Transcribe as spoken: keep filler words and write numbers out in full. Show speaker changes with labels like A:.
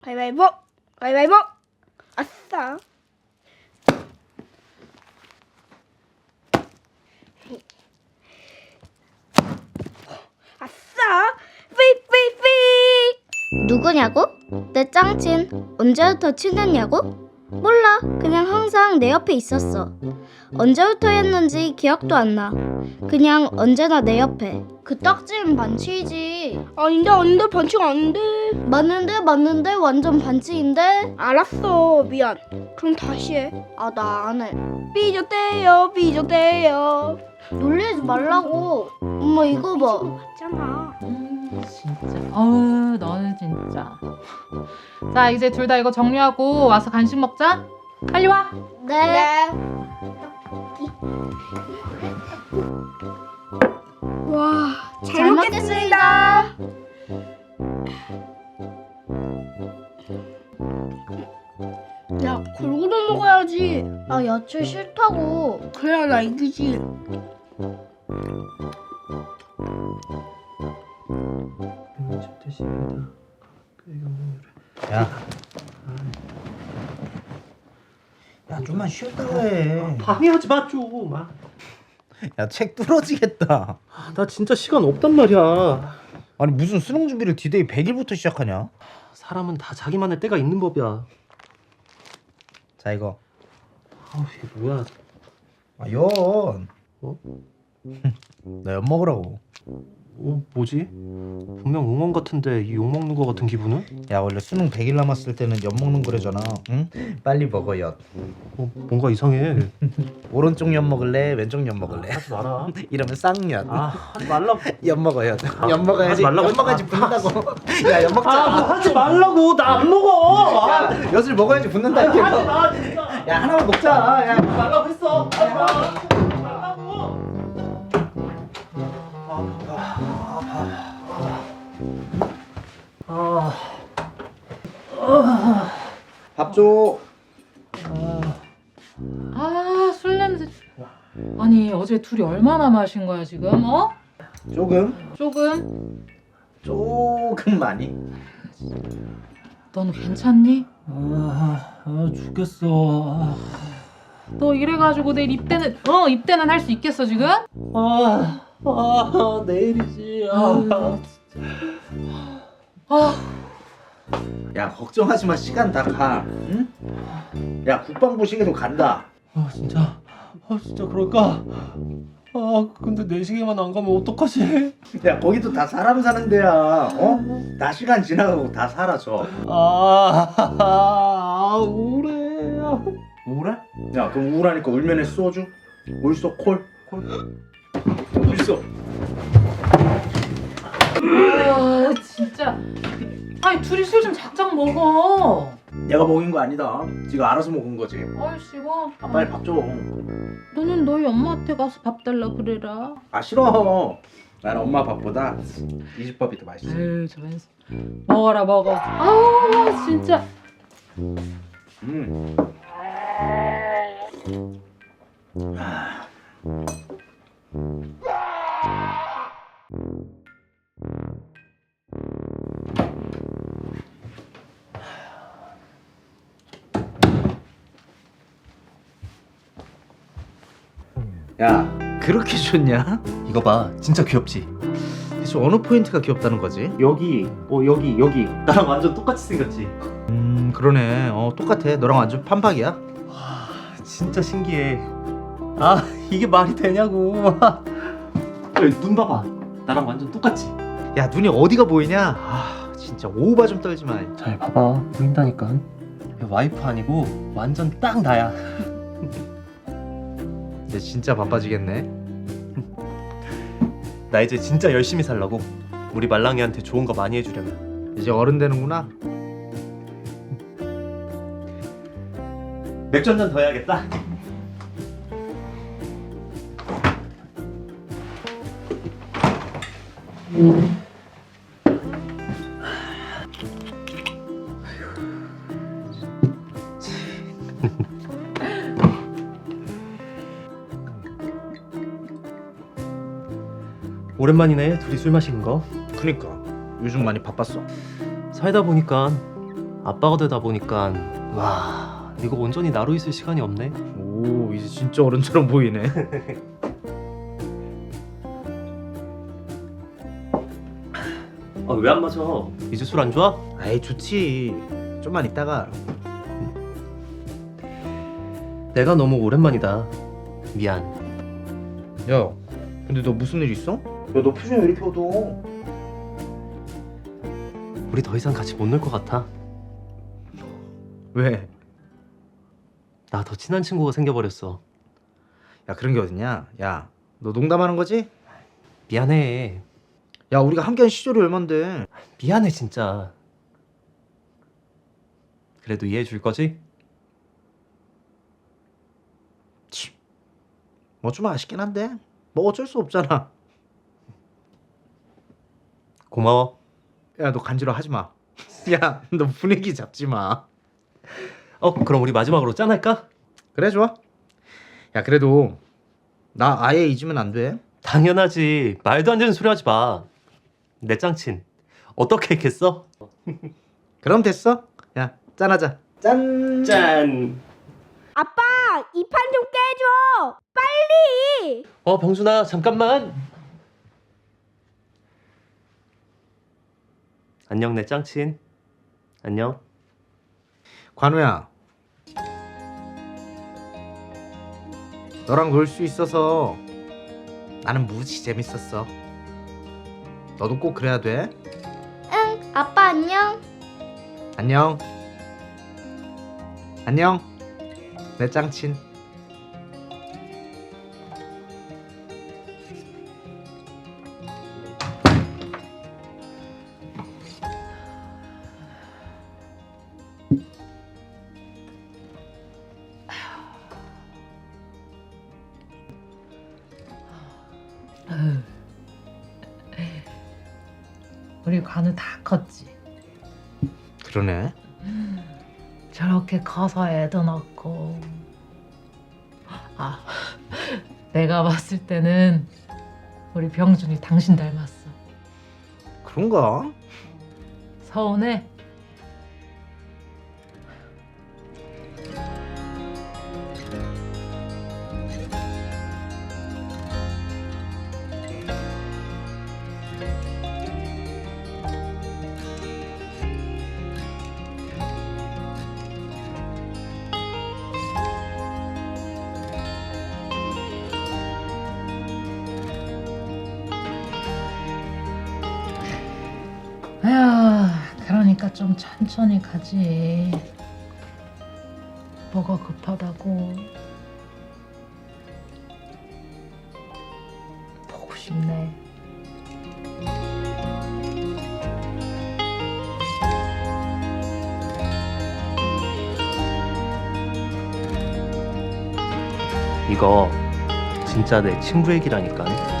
A: 가위바위보. 가위바위보. 아싸. 아싸. 삐삐삐.
B: 누구냐고? 내 짱친. 언제부터 친했냐고? 몰라. 그냥 항상 내 옆에 있었어. 언제부터였는지 기억도 안 나. 그냥 언제나 내 옆에. 그 딱지는 반칙이지.
A: 아닌데 아닌데 반칙 아닌데.
B: 맞는데 맞는데 완전 반칙인데.
A: 알았어. 미안. 그럼 다시 해.
B: 아, 나 안 해.
A: 삐졌대요. 삐졌대요.
B: 놀리지 말라고. 엄마 이거 봐.
A: 맞잖아.
C: 음, 진짜. 어우, 너는 진짜. 자, 이제 둘 다 이거 정리하고 와서 간식 먹자. 빨리 와.
B: 네.
A: 와, 잘,
B: 잘
A: 먹겠습니다. 야, 골고루 먹어야지.
B: 아, 야채 싫다고.
A: 그래야 나 이기지.
D: 야, 야 좀만 쉬었다 해.
E: 방해하지 마 좀. 아,
D: 야, 책 뚫어지겠다.
E: 나 진짜 시간 없단 말이야.
D: 아니 무슨 수능 준비를 디데이 백 일부터 시작하냐?
E: 사람은 다 자기만의 때가 있는 법이야.
D: 자 이거.
E: 아우 이게 뭐야?
D: 아, 연.
E: 어?
D: 나 연 먹으라고.
E: 어 뭐지? 분명 응원 같은데 이 욕 먹는 거 같은 기분은?
D: 야 원래 수능 백 일 남았을 때는 연 먹는 거래잖아. 응? 빨리 먹어 연.
E: 어 뭔가 이상해.
D: 오른쪽 연 먹을래? 왼쪽 연 먹을래?
E: 하지 마라.
D: 이러면 쌍연.
E: 아 하지 말라고.
D: 연 먹어 연. 연 먹어야지.
E: 하지 말라고.
D: 연 먹어야지 붙는다고. 야 연 먹자.
E: 아 뭐 하지 말라고. 나 안 먹어. 아,
D: 야, 엿을 먹어야지 붙는다
E: 하지
D: 이렇게.
E: 마 진짜.
D: 야 하나만 먹자. 야.
E: 하지 말라고 했어. 하지 마. 말라고. 아.
D: 밥 줘.
C: 아, 술 냄새. 아니, 어제 둘이 얼마나 마신 거야, 지금? 어?
D: 조금.
C: 조금?
D: 조금 많이.
C: 넌 괜찮니?
E: 아, 아 죽겠어.
C: 너 이래가지고 내일 입대는, 어, 입대는 할 수 있겠어, 지금?
E: 아, 아 내일이지. 아,
C: 아,
D: 야 걱정하지 마. 시간 다 가. 응? 야 국방부 시계도 간다.
E: 아 진짜. 아 진짜 그럴까? 아 근데 내 시계만 안 가면 어떡하지?
D: 야 거기도 다 사람 사는 데야. 어? 다 시간 지나가고 다 사라져.
E: 아, 아 우울해.
D: 우울해? 야 그럼 우울하니까 울면에 소주? 울소 콜? 콜? 울소.
C: 아, 진짜. 아니, 둘이 술 좀 작작 먹어.
D: 내가 먹인 거 아니다. 지가 알아서 먹은 거지.
C: 아이씨고.
D: 아 빨리 밥 줘.
C: 너는 너희 엄마한테 가서 밥 달라 그래라.
D: 아 싫어. 나는 엄마 밥보다 이 집 밥이 더 맛있어.
C: 에이, 저런. 먹어라, 먹어. 아, 진짜.
D: 음. 아. 야 그렇게 좋냐?
E: 이거 봐, 진짜 귀엽지?
D: 대체 어느 포인트가 귀엽다는 거지?
E: 여기, 어 여기, 여기 나랑 완전 똑같이 생겼지?
D: 음 그러네. 어 똑같아. 너랑 완전 판박이야.
E: 와, 진짜 신기해. 아, 이게 말이 되냐고. 야, 눈 봐봐, 나랑 완전 똑같지?
D: 야 눈이 어디가 보이냐? 아 진짜 오바 좀 떨지 마.
E: 잘 봐봐, 보인다니까. 야, 와이프 아니고 완전 딱 나야.
D: 이제 진짜 바빠지겠네.
E: 나 이제 진짜 열심히 살라고. 우리 말랑이한테 좋은 거 많이 해주려면.
D: 이제 어른 되는구나.
E: 맥주 한 잔 더 해야겠다. 오랜만이네, 둘이 술 마시는 거.
D: 그니까 요즘 많이 바빴어.
E: 살다 보니까 아빠가 되다 보니까 와 이거 온전히 나로 있을 시간이 없네.
D: 오 이제 진짜 어른처럼 보이네.
E: 아, 왜 안 마셔? 이제 술 안 좋아?
D: 아이 좋지. 좀만 있다가.
E: 내가 너무 오랜만이다. 미안.
D: 야 근데 너 무슨 일 있어? 야 너 표정이 왜 이렇게 어두워?
E: 우리 더 이상 같이 못 놀 것 같아.
D: 왜?
E: 나 더 친한 친구가 생겨버렸어.
D: 야 그런 게 어딨냐? 야 너 농담하는 거지?
E: 미안해.
D: 야 우리가 함께한 시절이 얼만데.
E: 미안해 진짜. 그래도 이해해 줄 거지?
D: 뭐 좀 아쉽긴 한데 뭐 어쩔 수 없잖아.
E: 고마워.
D: 야 너 간지러 하지 마. 야 너 분위기 잡지 마.
E: 어 그럼 우리 마지막으로 짠할까?
D: 그래 좋아. 야 그래도 나 아예 잊으면 안 돼.
E: 당연하지. 말도 안 되는 소리 하지 마. 내 짱친 어떻게 했겠어?
D: 그럼 됐어. 야 짠하자. 짠.
E: 짠.
B: 아빠, 이 판 좀 깨줘. 빨리.
E: 어 병준아 잠깐만. 안녕 내 짱친. 안녕.
D: 관우야. 너랑 놀 수 있어서 나는 무지 재밌었어. 너도 꼭 그래야 돼.
B: 응, 아빠 안녕.
D: 안녕. 안녕. 내 짱친.
C: 우리 관우 다 컸지.
D: 그러네.
C: 저렇게 커서 애도 낳고. 아, 내가 봤을 때는 우리 병준이 당신 닮았어.
D: 그런가?
C: 서운해? 에휴, 그러니까 좀 천천히 가지. 뭐가 급하다고. 보고 싶네.
E: 이거 진짜 내 친구 얘기라니까.